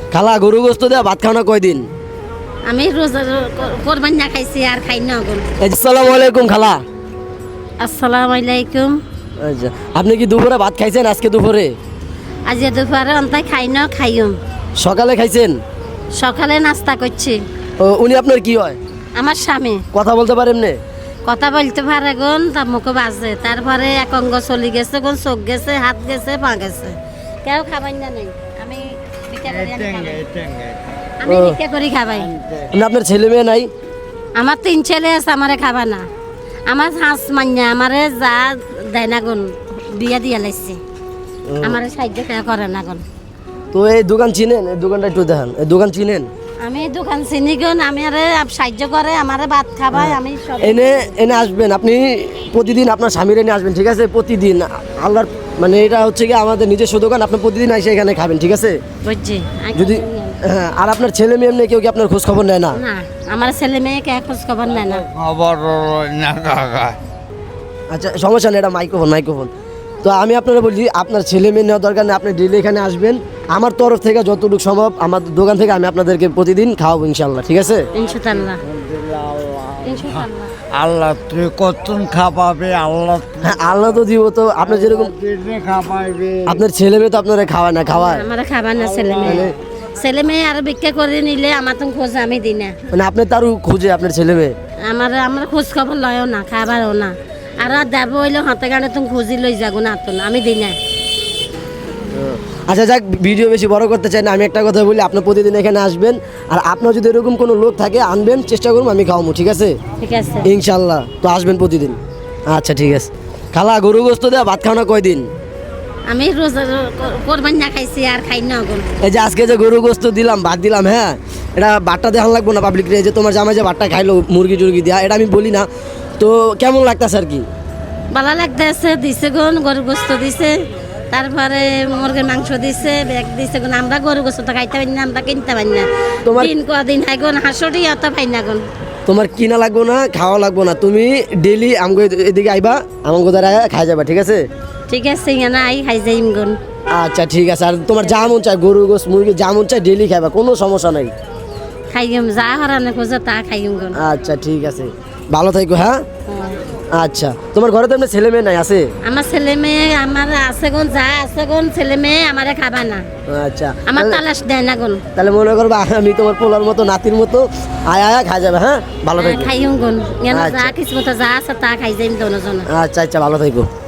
খালা গরু গোস্ত দেওয়া ভাত খাওয়া কয়দিন? আমি রোজা কোরবান না খাইছি আর খাই না এখন। আসসালামু আলাইকুম খালা। আসসালামু আলাইকুম। আচ্ছা, আপনি কি দুপুরে ভাত খাইছেন আজকে দুপুরে? আজ দুপুরে অন্তাই খাই না খাইম। সকালে খাইছেন? সকালে নাস্তা করছি। উনি আপনার কি হয়? আমার স্বামী। কথা বলতে পারেন না? কথা বলতে পারে গুন, তার মুখে বাজে, তারপরে এক অঙ্গ চলি গেছে গুন, চোখ গেছে, হাত গেছে, পা গেছে, কেউ খাবাই না নেই। আমি ভিক্ষা করি, আমি ভিক্ষা করি খাবাই। আপনার ছেলে মেয়ে নাই? আমার 3 ছেলে আছে, আমারে খাবা না। আমার হাঁস মান্যা আমারে যা দেয় না গুন, বিয়া দিয়া লাইছে, আমারে সাহায্য করে না গুন। তো এই দোকান চিনেন? এই দোকানটা একটু দেখান। এই দোকান চিনেন? আমি দোকান চিনি গুন, আমি আরে সাহায্য করে, আমারে ভাত খাবাই, আমি সব এনে এনে আসবেন আপনি প্রতিদিন, আপনার স্বামীর এনে আসবেন, ঠিক আছে? প্রতিদিন আল্লাহর মানে এটা হচ্ছে কি আমাদের নিজস্ব দোকান, আপনি প্রতিদিন এসে এখানে খাবেন, ঠিক আছে? বুঝছি। যদি হ্যাঁ, আর আপনার ছেলে মেয়ে এমনি কেউ কি আপনার খোঁজ খবর নেয় না? না, আমার ছেলে মেয়ে কে খোঁজ খবর নেয় না। আচ্ছা, সমস্যা নেই, এটা মাইক্রোফোন। তো আমি আপনারা বলছি, আপনার ছেলে মেয়ে নেওয়ার দরকার নেই, আপনি ডেলি এখানে আসবেন। আমার তরফ থেকে যতটুকু সম্ভব আমার দোকান থেকে আমি আপনাদেরকে প্রতিদিন খাওয়াবো ইনশাল্লাহ, ঠিক আছে? ইনশাআল্লাহ। ইনশাআল্লাহ। আল্লাহ তুই কতক্ষণ খাওয়াবে আল্লাহ হ্যাঁ, আল্লাহ তো দিব। তো আপনার যেরকম খাওয়াবে আপনার ছেলে মেয়ে তো আপনারা খাওয়ায় না, খাওয়ায় আমার খাবার না ছেলে মেয়ে। ছেলে মেয়ে আর ভিক্ষা করে নিলে আমার তো খোঁজ আমি দিই না। মানে আপনি তারও খুঁজে আপনার ছেলে মেয়ে? আমার খোঁজ খবর লয়ও না, খাবারও না। আর দেব হইলে হাতে গানে তুমি খুঁজি লই যাগো না, তো আমি দিই না। আচ্ছা যাক, ভিডিও বেশি বড় করতে চাই না, আমি একটা কথা বলি, আপনি প্রতিদিন এখানে আসবেন। আর আপনার যদি এরকম কোনো লোক থাকে আনবেন, চেষ্টা করুন আমি খাওয়াবো, ঠিক আছে? ঠিক আছে ইনশাল্লাহ। তো আসবেন প্রতিদিন। আচ্ছা ঠিক আছে। খালা গরু গোস্ত দেওয়া ভাত খাওয়া কয়দিন? আমি রোজা কোরবান না খাইছি আর খাই না এখন। এই যে আজকে যে গরু গোস্ত দিলাম, ভাত দিলাম, হ্যাঁ, এটা ভাতটা দেখান লাগবো না পাবলিক রে, যে তোমার জামাই যে ভাতটা খাইলো মুরগি টুরগি দেওয়া, এটা আমি বলি না। তো কেমন লাগতেছে আর কি? ভালো লাগতেছে, দিছে গুন, গরু গোস্ত দিছে, তারপরে মুরগির মাংস দিছে, ব্যাগ দিছে গুন। আমরা গরু গোস্ত তো খাইতে পারি না, আমরা কিনতে পারি না। তোমার- দিন কদিন হয় গুন, হাঁসটি অত পাই না গুন। তোমার কিনা লাগবো না, খাওয়া লাগবো না, তুমি ডেলি আমাকে এদিকে আইবা, আমাকে দ্বারা খাই যাবা, ঠিক আছে? ঠিক আছে, না আই খাই যাইম গুন। আচ্ছা ঠিক আছে। আর তোমার যা মন চায়, গরু গোস মুরগি যা মন চায় ডেলি খাইবা, কোনো সমস্যা নাই। খাইম যা হরানে খোঁজে তা খাইম গুন। আচ্ছা ঠিক আছে, ভালো থাকো, হ্যাঁ? আচ্ছা, তোমার ঘরে তো এমনি ছেলে মেয়ে নাই আছে? আমার ছেলে মেয়ে আমার আছে গুন, যা আছে গুন, ছেলে মেয়ে আমারে খাবা না, আচ্ছা, আমার তালাশ দেয় না গুন। তাহলে মনে করবা আমি তোমার পোলার মতো নাতির মতো আয়া খাই যাবে, হ্যাঁ? ভালো থাকো। খাইম গুন, যা আচ্ছা। কিছু মতো যা আছে তা খাই যাইম দোনো জন। আচ্ছা আচ্ছা, ভালো থাকো।